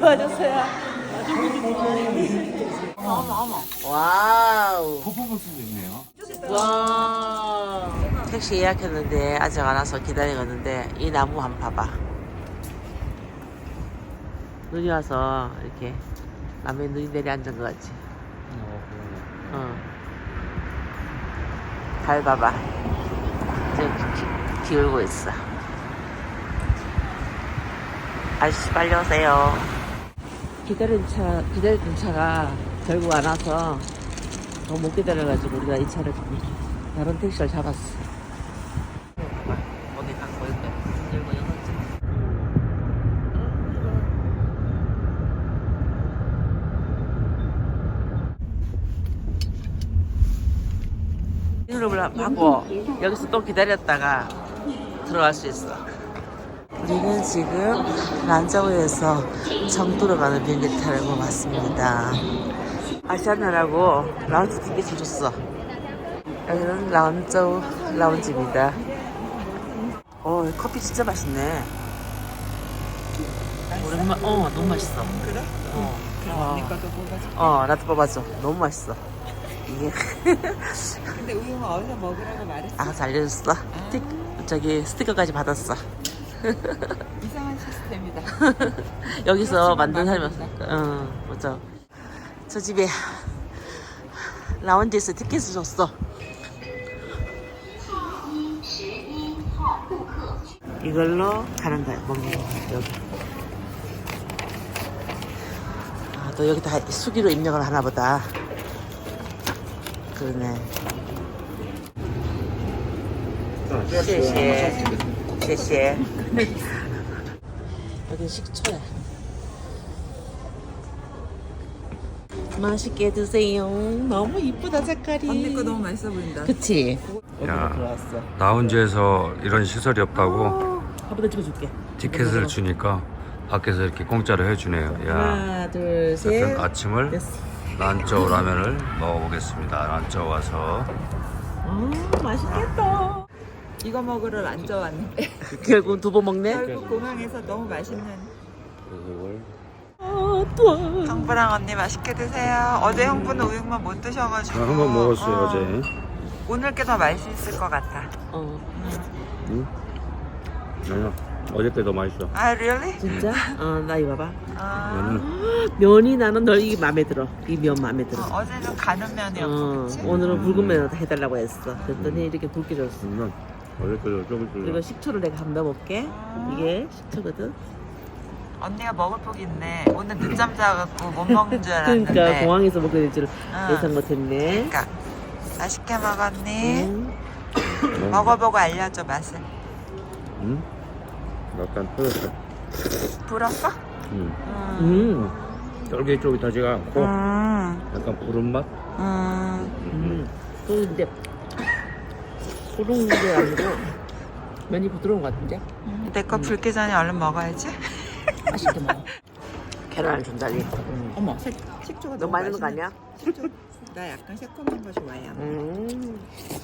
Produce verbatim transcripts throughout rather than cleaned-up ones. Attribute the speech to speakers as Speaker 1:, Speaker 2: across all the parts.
Speaker 1: 도와주세요. 어머 어머. 와우.
Speaker 2: 퍼포먼스도 있네요.
Speaker 1: 와. 택시 예약했는데 아직 안 와서 기다리고 있는데 이 나무 한번 봐봐. 눈이 와서 이렇게 남의 눈이 내려앉은 것 같지. 어. 달 봐봐. 지금 기, 기울고 있어. 아저씨 빨리 오세요. 기다린 차, 기다리던 차가 결국 안 와서 더 못 기다려가지고 우리가 이 차를 다른 택시를 잡았어. 봐봐. 거기 딱 보일 거야. 들고 열었지. 이름을 하고 여기서 또 기다렸다가 들어갈 수 있어. 우리는 지금 란자오에서 청두로 가는 비행기 타고 왔습니다. 아시아나라고 라운지 티켓을 줬어. 여기는 란자오 라운지입니다. 어, 커피 진짜 맛있네. 오랜만, 어, 너무 맛있어.
Speaker 3: 그래?
Speaker 1: 어,
Speaker 3: 그럼
Speaker 1: 어.
Speaker 3: 언니 것도 뽑아줘.
Speaker 1: 어, 나도 뽑아줘. 너무 맛있어. 이게.
Speaker 3: 근데 우유가 어디서 먹으라고 말했어?
Speaker 1: 아, 알려줬어. 틱, 저기 스티커까지 받았어.
Speaker 3: 이상한 시스템이다.
Speaker 1: 여기서
Speaker 3: 그렇지만
Speaker 1: 만든 사람이
Speaker 3: 맛있다.
Speaker 1: 없으니까. 응, 맞아. 저 집에 라운지에서 티켓을 줬어. 이걸로 가는 거야, 먹는 거. 여기. 아, 또 여기 다 수기로 입력을 하나 보다. 그러네.谢谢. 谢谢. 여기 식초야. 맛있게 드세요. 너무 이쁘다 색깔이.
Speaker 3: 언니 거 너무 맛있어 보인다.
Speaker 1: 그치?
Speaker 4: 야.
Speaker 1: 여기로 들어왔어.
Speaker 4: 라운지에서 이런 시설이 없다고
Speaker 1: 한 번 더 찍어줄게.
Speaker 4: 티켓을 주니까 밖에서 이렇게 공짜로 해주네요. 야,
Speaker 1: 하나, 둘, 셋.
Speaker 4: 어쨌든 아침을
Speaker 1: 됐어.
Speaker 4: 란짜오 라면을 먹어보겠습니다. 란짜오 와서.
Speaker 1: 아, 맛있겠다.
Speaker 3: 이거 먹으러 란저 왔는데
Speaker 1: 결국 두 번 먹네.
Speaker 3: 결국 공항에서 너무 맛있는.
Speaker 1: 아, 또.
Speaker 3: 형부랑 언니 맛있게 드세요. 어제 형부는 우육만 못 드셔가지고.
Speaker 4: 한 번 먹었어요
Speaker 3: 어.
Speaker 4: 어제.
Speaker 3: 오늘 게 더 맛있을 것 같아.
Speaker 1: 어,
Speaker 4: 응? 아니야. 어저께 더 맛있어.
Speaker 3: 아, really?
Speaker 1: 진짜? 어, 나 이거 봐봐.
Speaker 3: 아,
Speaker 4: 면은
Speaker 1: 면이 나는 널 이게 마음에 들어. 이 면 마음에 들어.
Speaker 3: 어, 어제는 가는 면이었고,
Speaker 1: 어,
Speaker 3: 그치?
Speaker 1: 오늘은 붉은 면을 해달라고 했어. 그랬더니 이렇게 굵게 줬어.
Speaker 4: 음, 어저께도 조금
Speaker 1: 그리고
Speaker 4: 줄여.
Speaker 1: 식초를 내가 한번 넣어볼게. 이게 식초거든.
Speaker 3: 언니가 먹을 폭이 있네. 오늘 늦잠 자갖고 못 먹는 줄 알았는데.
Speaker 1: 그러니까 공항에서 먹게 될 줄
Speaker 3: 응.
Speaker 1: 예상 못했네.
Speaker 3: 그러니까 맛있게 먹었니?
Speaker 1: 음.
Speaker 3: 먹어보고 알려줘 맛을.
Speaker 4: 응? 약간 터졌어.
Speaker 3: 불었어?
Speaker 4: 응.
Speaker 3: 음.
Speaker 1: 음.
Speaker 4: 쫄깃쫄깃하지가 않고
Speaker 3: 음.
Speaker 4: 약간 부른 맛.
Speaker 3: 음.
Speaker 1: 음. 또 근데 부러운 게 아니고 면이 부드러운 것 같은데?
Speaker 3: 내 거 불기 전에 얼른 먹어야지.
Speaker 1: 맛있게 먹어. 계란을 준다니. 음.
Speaker 3: 어머, 색, 식초가
Speaker 1: 너무 많이 넣은 거 아니야?
Speaker 3: 식초. 나 약간 새콤한 거 좋아해.
Speaker 1: 음.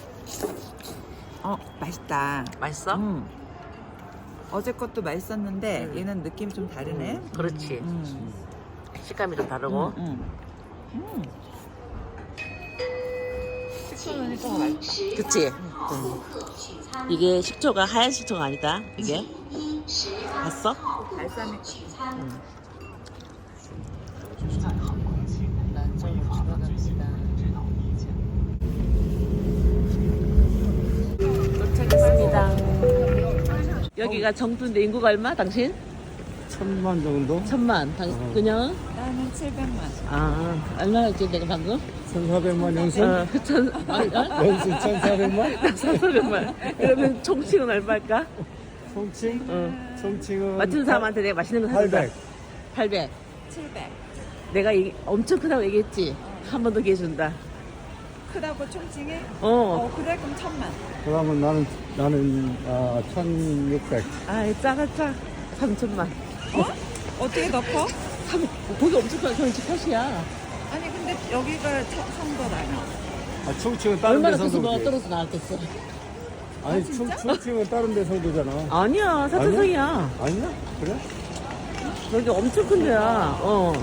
Speaker 3: 어, 맛있다.
Speaker 1: 맛있어?
Speaker 3: 음. 어제 것도 맛있었는데
Speaker 1: 음.
Speaker 3: 얘는 느낌이 좀 다르네.
Speaker 1: 그렇지.
Speaker 3: 음.
Speaker 1: 식감이 좀 다르고.
Speaker 3: 음. 음. 식초 넣으니까 더 맛있다.
Speaker 1: 그치? 음. 이게 식초가 하얀 식초가 아니다. 이게. 봤어?
Speaker 3: 발사믹.
Speaker 1: 도착했습니다. 여기가 정두인데 인구가 얼마? 당신?
Speaker 4: 천만 정도?
Speaker 1: 천만. 당, 그냥?
Speaker 3: 나는 칠백만.
Speaker 1: 아, 얼마였지 내가 방금?
Speaker 4: 천사백만 연승?
Speaker 1: 어, 천, 아니, 어?
Speaker 4: 연승 천사백만?
Speaker 1: 사천만. 그러면 총칭은 얼마일까?
Speaker 4: 송칭?
Speaker 1: 어.
Speaker 4: 송칭은
Speaker 1: 맞춘 사람한테 내가 맛있는 거 사준다.
Speaker 4: 팔백.
Speaker 1: 팔백.
Speaker 3: 칠백.
Speaker 1: 내가 이, 엄청 크다고 얘기했지? 한 번 더 기회 준다.
Speaker 3: 크다고 총칭해?
Speaker 1: 어.
Speaker 3: 어, 그래 그럼 천만.
Speaker 4: 그러면 나는 나는 아, 천육백.
Speaker 1: 아이, 작아, 짜. 삼천만.
Speaker 3: 어? 어떻게 더 커?
Speaker 1: 삼, 거기 엄청 커. 저는 집 탓이야.
Speaker 3: 아니 근데 여기가 성도라며.
Speaker 4: 아, 충칭은 다른
Speaker 1: 얼마나
Speaker 4: 데
Speaker 1: 커서 뭐
Speaker 4: 성도지.
Speaker 1: 떨어져 나왔겠어.
Speaker 4: 아니, 충, 충칭은 다른 데 성도잖아.
Speaker 1: 아니야, 사천성이야.
Speaker 4: 아니야? 그래?
Speaker 1: 여기 엄청 큰 데야. 어.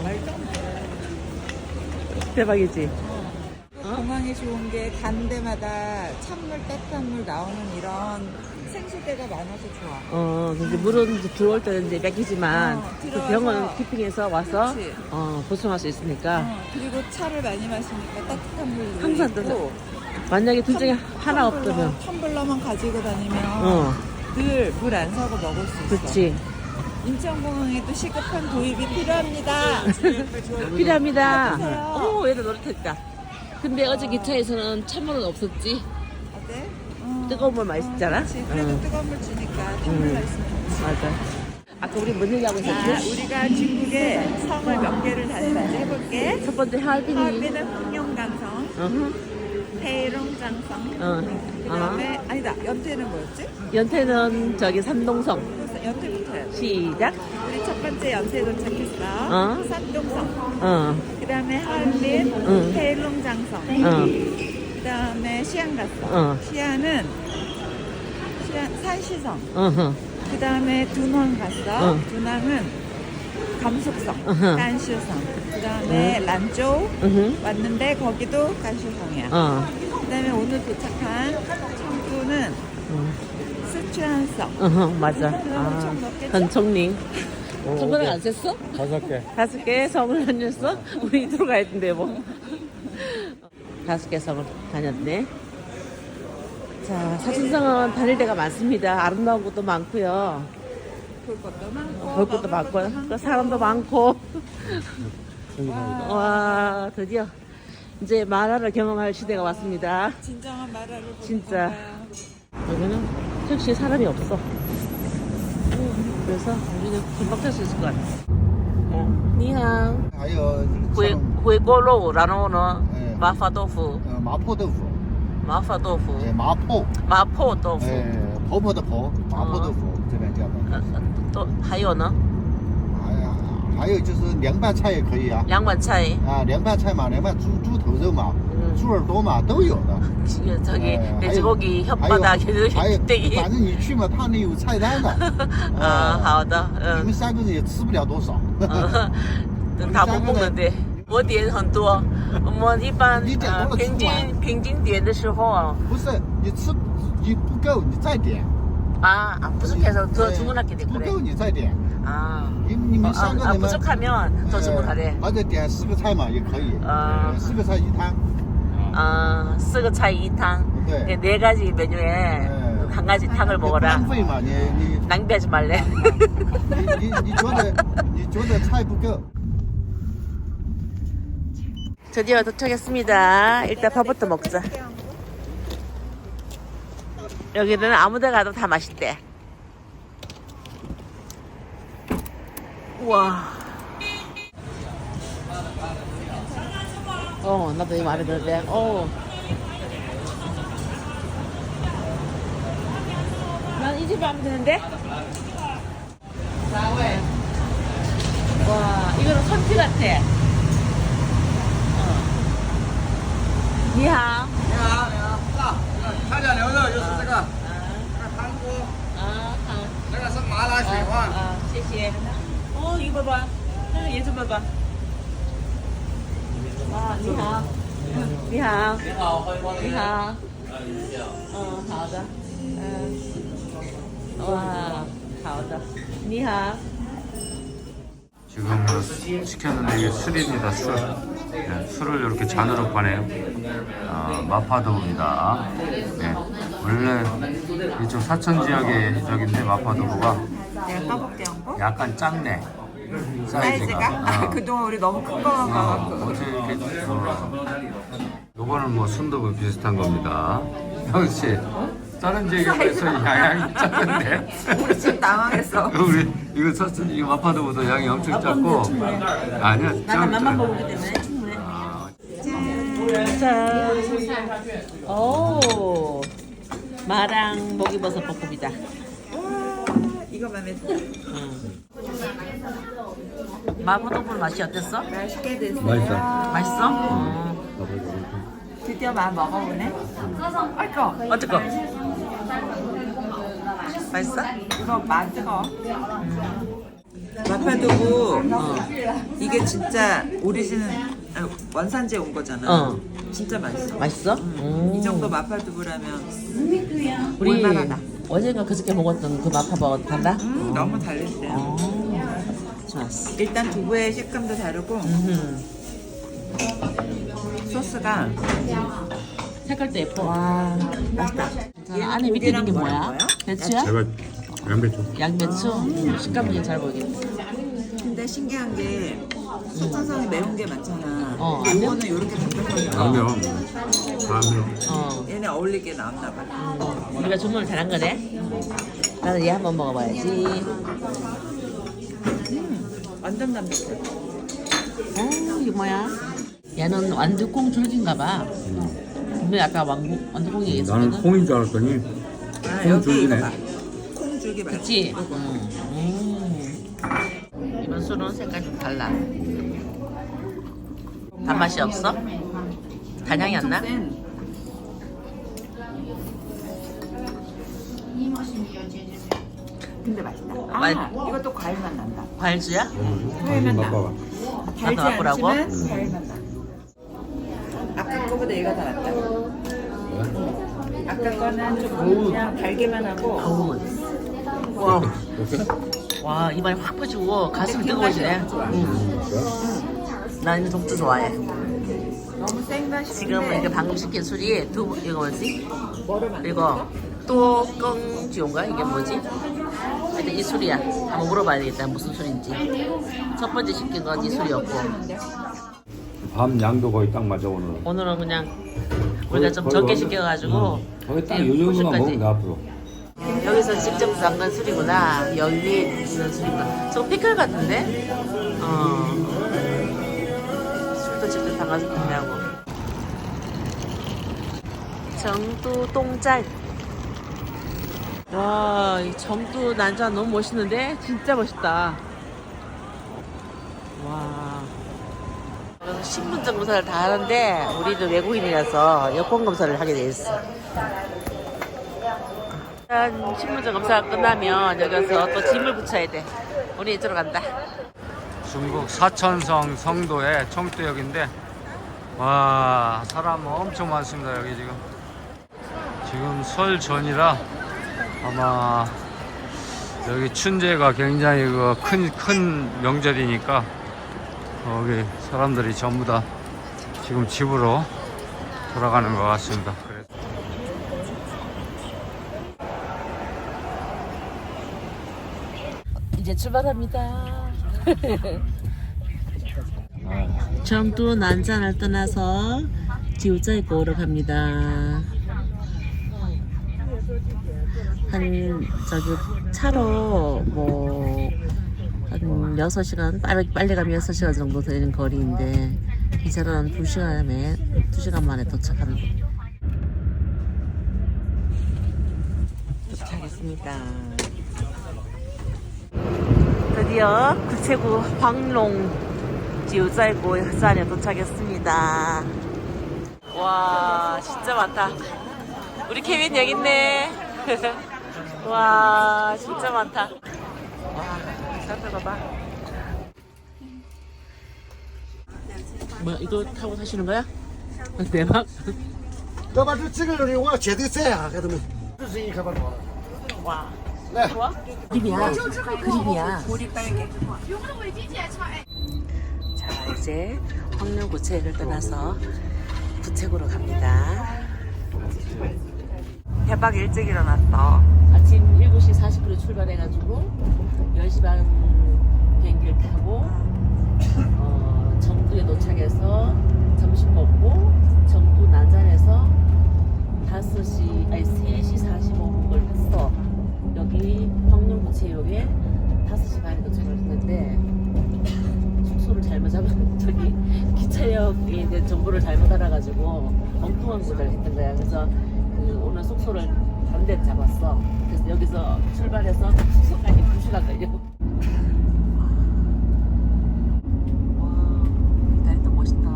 Speaker 1: 대박이지?
Speaker 3: 공항이 좋은 게 간 데마다 찬물, 따뜻한 물 나오는 이런 생수대가 많아서 좋아.
Speaker 1: 어, 근데 물은 이제 들어올 때는 이제 맥히지만
Speaker 3: 어,
Speaker 1: 그
Speaker 3: 들어와서
Speaker 1: 병원 키핑해서 와서
Speaker 3: 그치.
Speaker 1: 어, 보충할 수 있으니까
Speaker 3: 어, 그리고 차를 많이 마시니까 따뜻한 물도
Speaker 1: 항상
Speaker 3: 있고
Speaker 1: 뜨거- 만약에 둘 중에 하나 없다면
Speaker 3: 텀블러, 텀블러만 가지고 다니면
Speaker 1: 어,
Speaker 3: 늘 물 안 사고 먹을 수 있어.
Speaker 1: 그치.
Speaker 3: 인천공항에도 시급한 도입이 필요합니다.
Speaker 1: 필요합니다.
Speaker 3: 해주세요.
Speaker 1: 오, 얘도 노릇했다. 근데 어제 기차에서는 찬물은 없었지.
Speaker 3: 어때? 어.
Speaker 1: 뜨거운 물 맛있잖아.
Speaker 3: 어, 그치. 그래도
Speaker 1: 응.
Speaker 3: 뜨거운 물 주니까 텀블러
Speaker 1: 응.
Speaker 3: 있으면 좋지.
Speaker 1: 맞아. 아까 우리 뭔 얘기하고
Speaker 3: 아,
Speaker 1: 있었지?
Speaker 3: 우리가 중국의 성을 몇 개를 다시 다시 해볼게.
Speaker 1: 첫 번째 하얼빈이.
Speaker 3: 하얼빈은 홍룡강성,
Speaker 1: 어허.
Speaker 3: 해롱장성.
Speaker 1: 어.
Speaker 3: 그 다음에 아니다. 연태는 뭐였지?
Speaker 1: 연태는 저기 삼동성.
Speaker 3: 그래서 연태부터 해야 돼.
Speaker 1: 시작.
Speaker 3: 우리 첫 번째 연태 도착했어.
Speaker 1: 어.
Speaker 3: 산동성.
Speaker 1: 어.
Speaker 3: 그 다음에 하얼빈,
Speaker 1: 응.
Speaker 3: 해롱장성.
Speaker 1: 어.
Speaker 3: 그 다음에 시안 갔어.
Speaker 1: 어.
Speaker 3: 시안은 시안, 산시성.
Speaker 1: 어허.
Speaker 3: 그 다음에 둔왕 갔어.
Speaker 1: 응.
Speaker 3: 둔왕은 감속성,
Speaker 1: 어허.
Speaker 3: 간슈성. 그 다음에 란조우
Speaker 1: 으흠.
Speaker 3: 왔는데 거기도 간슈성이야.
Speaker 1: 어.
Speaker 3: 그 다음에 오늘 도착한 청두는
Speaker 1: 응.
Speaker 3: 스촨성.
Speaker 1: 어허, 맞아.
Speaker 3: 그럼
Speaker 1: 아,
Speaker 3: 엄청 높겠죠?
Speaker 1: 전총링. 손가락 안 셌어?
Speaker 4: 다섯 개.
Speaker 1: 다섯 개 성을 다녔어? 우리 들어가야 된대, 뭐. 다섯 개 성을 다녔네. 자, 사진성은 다닐 데가 많습니다. 아름다운 곳도 많고요.
Speaker 3: 볼 것도 많고.
Speaker 1: 볼 것도
Speaker 3: 먹을
Speaker 1: 많고,
Speaker 3: 것도
Speaker 1: 그 사람도 많고.
Speaker 3: 와,
Speaker 1: 와, 드디어 이제 만화를 경험할 시대가 왔습니다.
Speaker 3: 진정한 마라를 보는
Speaker 1: 진짜.
Speaker 3: 건가요?
Speaker 1: 여기는 택시에 사람이 없어. 그래서 우리는 금방 탈 수 있을 것 같아. 어. 니항.
Speaker 2: 还有
Speaker 1: 回
Speaker 2: 像
Speaker 1: 回锅肉，然后呢
Speaker 2: 哎，
Speaker 1: 麻婆豆腐，
Speaker 2: 呃麻婆豆腐，
Speaker 1: 麻婆豆腐，
Speaker 2: 哎麻婆，
Speaker 1: 麻婆豆腐，
Speaker 2: 哎婆婆的婆，麻婆豆腐这边叫的。
Speaker 1: 呃，呃都还有呢，
Speaker 2: 还有还有就是凉拌菜也可以啊，
Speaker 1: 凉拌菜，
Speaker 2: 啊凉拌菜嘛，凉拌猪猪头肉嘛，
Speaker 1: 嗯
Speaker 2: 猪耳朵嘛都有的。
Speaker 1: 저- 저기
Speaker 2: 哎
Speaker 1: 돼지고기
Speaker 2: 还有
Speaker 1: 혓바닥
Speaker 2: 还有，
Speaker 1: 떼기.
Speaker 2: 反正你去嘛，他那有菜单的。
Speaker 1: 아,
Speaker 2: 哎
Speaker 1: 好的，
Speaker 2: 你
Speaker 1: 嗯
Speaker 2: 们，三个人也吃不了多少。
Speaker 1: 다 못 먹는데. 我点很多，我们一般
Speaker 2: 你点多了
Speaker 1: 呃平
Speaker 2: 吃不完
Speaker 1: 均平均点的时候啊
Speaker 2: 不是你吃你不够，你再点。
Speaker 1: 아, 아 부족해서 더
Speaker 2: 哎
Speaker 1: 주문하게 돼
Speaker 2: 不
Speaker 1: 그래.
Speaker 2: 够你再点。
Speaker 1: 아,
Speaker 2: 你你
Speaker 1: 어,
Speaker 2: 们
Speaker 1: 아,
Speaker 2: 三个
Speaker 1: 아
Speaker 2: 人嘛。
Speaker 1: 부족하면 더 주문하래.
Speaker 2: 或者点四个菜嘛也可以，
Speaker 1: 아,
Speaker 2: 四个菜一汤。
Speaker 1: 아, 四个菜一汤.
Speaker 2: 네.
Speaker 1: 네 가지 메뉴에
Speaker 2: 네.
Speaker 1: 한 가지 탕을
Speaker 2: 不
Speaker 1: 먹어라.
Speaker 2: 浪费嘛，你你
Speaker 1: 낭비하지 말래.
Speaker 2: 你你你觉得你觉得菜不够，
Speaker 1: 드디어 도착했습니다. 일단 밥부터 먹자. 여기는 아무데 가도 다 맛있대. 우와. 어, 나도 이거 마음에 드는데. 어. 난 이 집 마음에 드는데? 와, 이거는 선티 같아. 어. 니하오.
Speaker 5: 你好，你好，看点牛肉就是这个，
Speaker 1: 아,
Speaker 5: 这个汤锅，
Speaker 1: 아, 아.
Speaker 5: 这个是麻辣水
Speaker 1: 아,
Speaker 5: 饭，
Speaker 1: 아, 谢谢. 어, 이거 봐봐. 얘 좀 봐봐. 아, 你好.你好.
Speaker 5: 你好，欢迎光临。
Speaker 1: 你好. 어, 好的. 음. 와, 好的. 你好.
Speaker 4: 지금 뭐 시켰는데 이게 술입니다, 술. 네, 술을 이렇게 잔으로 파네요. 아, 마파두부입니다. 네, 원래 이쪽 사천 지역의 적인데 마파두부가
Speaker 3: 내가 까볼게 한거
Speaker 4: 약간 작네. 사이즈가.
Speaker 3: 사이즈가?
Speaker 4: 어.
Speaker 3: 그동안 우리 너무 큰 거만
Speaker 4: 어,
Speaker 3: 가갖고.
Speaker 4: 어떻게 이렇게 어. 요거는 뭐 순두부 비슷한 겁니다. 역시 다른 지역에 비해서 양이 작은데.
Speaker 3: 우리 지금 당황했어.
Speaker 4: 우리 이거 사천 이거 마파두부도 양이 엄청 작고. 아니야.
Speaker 1: 나는 맛만
Speaker 4: 좀-
Speaker 1: 먹기 때문에 충분해. 짠. 오. 마랑 목이버섯 볶음이다.
Speaker 3: 와, 이거 마음에 들어.
Speaker 1: 마포동굴 맛이 어땠어?
Speaker 3: 맛있게 드세요.
Speaker 4: 맛있어.
Speaker 1: 맛있어? 어.
Speaker 3: 드디어 마 먹어보네. 아이고,
Speaker 1: 어떡어? 맛있어?
Speaker 3: 이거 맛 뜨거. 마파두부
Speaker 1: 어.
Speaker 3: 이게 진짜 오리지널 아, 원산지에 온 거잖아.
Speaker 1: 어.
Speaker 3: 진짜 맛있어.
Speaker 1: 맛있어? 음.
Speaker 3: 이 정도 마파두부라면
Speaker 1: 우리
Speaker 3: 올만하다.
Speaker 1: 어제가 그저께 먹었던 그 마파버거 달라?
Speaker 3: 음, 너무 달린데.
Speaker 1: 어. 좋았어.
Speaker 3: 일단 두부의 식감도 다르고
Speaker 1: 음.
Speaker 3: 소스가
Speaker 1: 색깔도 예뻐.
Speaker 3: 와 맛있다.
Speaker 1: 안에 밑에 있는 게
Speaker 3: 고기랑
Speaker 1: 뭐야?
Speaker 3: 뭐야?
Speaker 1: 배추야?
Speaker 4: 제가 양배추.
Speaker 1: 양배추? 음, 식감이 되게 잘 보이겠네.
Speaker 3: 근데 신기한 게 사천성이 매운 게 많잖아.
Speaker 1: 어,
Speaker 3: 근데
Speaker 1: 안
Speaker 3: 이거는 이렇게 담백하게
Speaker 4: 라면. 라면.
Speaker 1: 어.
Speaker 3: 얘네 어울리게 나왔나 봐.
Speaker 1: 음, 우리가 주문을 잘한 거네. 나는 얘 한번 먹어봐야지.
Speaker 3: 음, 완전 담백해.
Speaker 1: 어, 이게 뭐야? 얘는 완두콩 줄기인가 봐. 근데 아까 완두, 완두콩이
Speaker 4: 나는
Speaker 1: 얘기했거든.
Speaker 4: 콩인 줄 알았더니
Speaker 3: 아,
Speaker 4: 콩
Speaker 3: 여기
Speaker 4: 줄기네.
Speaker 3: 이거 봐. 콩 줄기 맛.
Speaker 1: 그치? 음. 음. 이번 술은 색깔 좀 달라. 단맛이 없어? 단향이 안 나?
Speaker 3: 근데 맛있다. 아,
Speaker 1: 맛-
Speaker 3: 이것도 과일 맛 난다.
Speaker 1: 과일주야?
Speaker 3: 과일 맛 나.
Speaker 4: 맛봐봐.
Speaker 3: 달지
Speaker 1: 나도 맛보라고?
Speaker 3: 않지만 과일 맛 나. 아까 거보다 얘가 더 낫다. 아까 거는 좀 그냥 달기만 하고
Speaker 1: 어우. 와, 와 입안이 확 퍼지고 가슴이 뜨거워지네. 음. 나 이제 독주 좋아해.
Speaker 3: 너무 센 맛이.
Speaker 1: 지금 이렇게 방금 시킨 술이 두 이거 뭐지?
Speaker 3: 뭐를 만든
Speaker 1: 이거 또껑지온가 이게 뭐지? 하여튼 이 술이야. 한번 물어봐야 되겠다. 무슨 술인지. 첫 번째 시킨 건 이 술이었고
Speaker 4: 밤 양도 거의 딱 맞아 오늘.
Speaker 1: 오늘은 그냥 우리가 좀 적게 시켜가지고
Speaker 4: 거의 딱
Speaker 1: 예,
Speaker 4: 요 정도만
Speaker 1: 후식까지.
Speaker 4: 먹으면 돼 앞으로.
Speaker 1: 여기서 직접 담근 술이구나. 여기 위에 있는 술이구나. 저거 피클 같은데? 어. 술도 직접 담가서 판매하고. 정두 똥짤. 와, 이 정두 난자 너무 멋있는데? 진짜 멋있다. 와. 신분증 검사를 다 하는데 우리도 외국인이라서 여권 검사를 하게 돼 있어. 일단 신분증 검사가 끝나면 여기서 또 짐을 붙여야 돼. 우리 이쪽으로 간다.
Speaker 4: 중국 사천성 성도의 청두역인데 와 사람 엄청 많습니다. 여기 지금 지금 설 전이라 아마 여기 춘제가 굉장히 그 큰 큰 명절이니까 여기 사람들이 전부 다 지금 집으로 돌아가는 것 같습니다. 그래서
Speaker 1: 이제 출발합니다. 정두 난잔을 떠나서 지우자이고로 갑니다. 한 저기 차로 뭐 한 여섯 시간 빨리, 빨리 가면 여섯 시간 정도 되는 거리인데 기차로는 두 시간에 두 시간 만에 도착하는 거. 도착했습니다. 드디어 구체구 황롱 지우자이고 해산에 도착했습니다. 와 진짜 많다. 우리 케빈 여기 있네. 와 진짜 많다. 와 사람들 봐봐. 뭐야 이거 타고 사시는 거야? 대박.
Speaker 2: 要把这这个人我绝对在啊，孩子们，这是一可把多了。
Speaker 1: 와.
Speaker 2: 来，
Speaker 1: 좋아? 그림이야. 그림이야. 자 이제 황룡구체를 떠나서 부책으로 갑니다. 대박 일찍 일어났어. 아침 일곱 시 사십 분에 출발해가지고 열 시 반 비행기를 타고 어, 정두에 도착해서 점심 먹고 정두 난잔에서 다섯 시 아니 세 시 사십오 분을 탔어. 여기 황룡구체역에 다섯 시 반에 도착을 했는데 숙소를 잘못 잡은 저기 기차역에 이제 정보를 잘못 알아가지고 엉뚱한 곳을 했던 거야. 그래서 그 오늘 숙소를 다른 데 잡았어. 그래서 여기서 출발해서 숙소까지 두 시간 걸려. 와, 다리도 멋있다.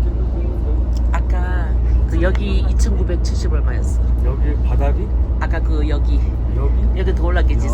Speaker 1: 아까 그 여기 이천구백칠십 얼마였어?
Speaker 4: 여기 바닥이
Speaker 1: 아까 그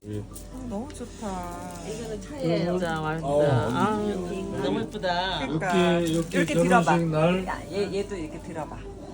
Speaker 3: 너무 좋다.
Speaker 1: 이거는 차에 진짜 맛있다. 아, 너무 예쁘다.
Speaker 3: 그러니까 이렇게 들어봐. 야, 얘 얘도 이렇게 들어봐.